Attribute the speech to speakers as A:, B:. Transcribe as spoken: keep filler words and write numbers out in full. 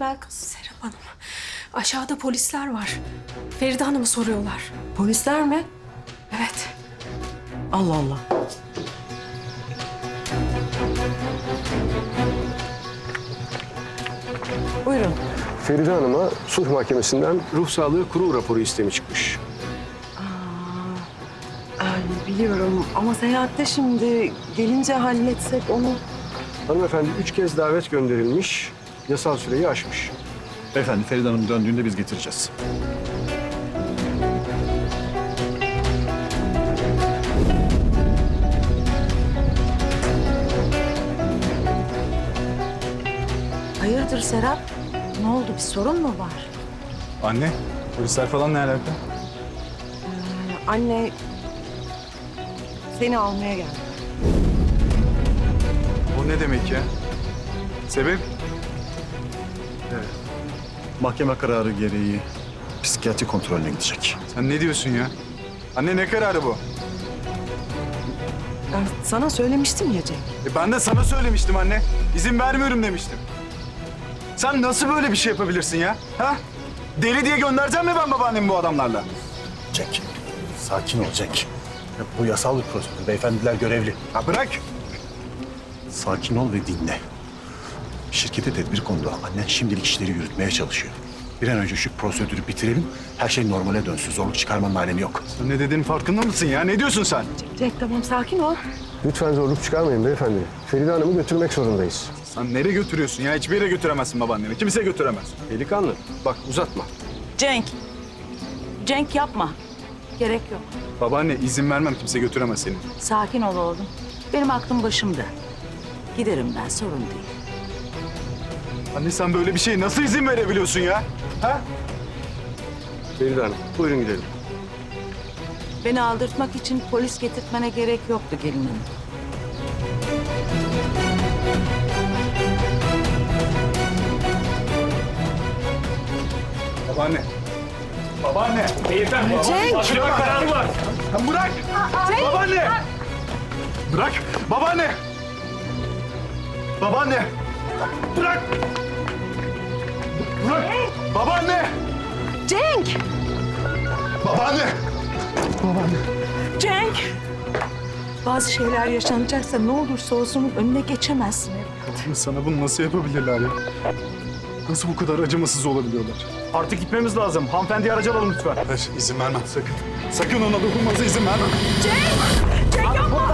A: Sibel kız?
B: Serap Hanım, aşağıda polisler var. Feride Hanım'ı soruyorlar.
A: Polisler mi?
B: Evet.
A: Allah Allah. Buyurun.
C: Feride Hanım'a sulh mahkemesinden ruh sağlığı kurul raporu istemi çıkmış.
A: Ay, biliyorum ama seyahatte şimdi gelince halletsek onu.
C: Hanımefendi üç kez davet gönderilmiş, yasal süreyi aşmış.
D: Beyefendi Feride Hanım döndüğünde biz getireceğiz.
A: Hayırdır Serap? Ne oldu? Bir sorun mu var?
D: Anne, polisler falan ne alaka?
A: Anne seni almaya geldi.
D: O ne demek ya? Sebep? Evet. Mahkeme kararı gereği psikiyatri kontrolüne gidecek.
E: Sen ne diyorsun ya? Anne ne kararı bu?
A: Ben sana söylemiştim ya Cenk.
E: E ben de sana söylemiştim anne. İzin vermiyorum demiştim. Sen nasıl böyle bir şey yapabilirsin ya? Ha? Deli diye göndereceğim mi ben babaannemi bu adamlarla?
D: Cenk, sakin ol Cenk. Ya bu yasal bir prosedür. Beyefendiler görevli.
E: Ha bırak.
D: Sakin ol ve dinle. Şirkete tedbir kondu. Annen şimdilik işleri yürütmeye çalışıyor. Bir an önce şu prosedürü bitirelim. Her şey normale dönsün. Zorluk çıkarmanın alemi yok.
E: Sen ne dediğinin farkında mısın ya? Ne diyorsun sen?
A: Cenk tamam sakin ol.
C: Lütfen zorluk çıkarmayın beyefendi. Feride Hanım'ı götürmek zorundayız.
E: Sen nereye götürüyorsun ya? Hiçbir yere götüremezsin babaanneni. Kimse götüremez.
C: Delikanlı, bak uzatma.
F: Cenk. Cenk yapma. Gerek yok.
E: Babaanne izin vermem, kimse götüremez seni.
F: Sakin ol oğlum. Benim aklım başımda. Giderim ben, sorun değil.
E: Anne sen böyle bir şeye nasıl izin verebiliyorsun ya? Ha?
C: Feride Hanım, buyurun gidelim.
F: Beni aldırtmak için polis getirtmene gerek yoktu gelin hanım.
E: Babaanne. Babaanne.
G: Beyefendi,
A: Cenk!
G: mahkeme kararı var.
E: Sen bırak. Babaanne. Bırak. Babaanne. Babaanne. Bırak. Bırak. Babaanne.
A: Cenk!
E: Babaanne.
F: Cenk! Bazı şeyler yaşanacaksa ne olursa olsun önüne geçemezsin evlat.
E: Sana bunu nasıl yapabilirler ya? Nasıl bu kadar acımasız olabiliyorlar?
G: Artık gitmemiz lazım. Hanımefendiyi aracı alalım lütfen.
E: Hayır, izin vermem sakın. Sakın ona dokunmanıza izin vermem.
F: Cenk yapma!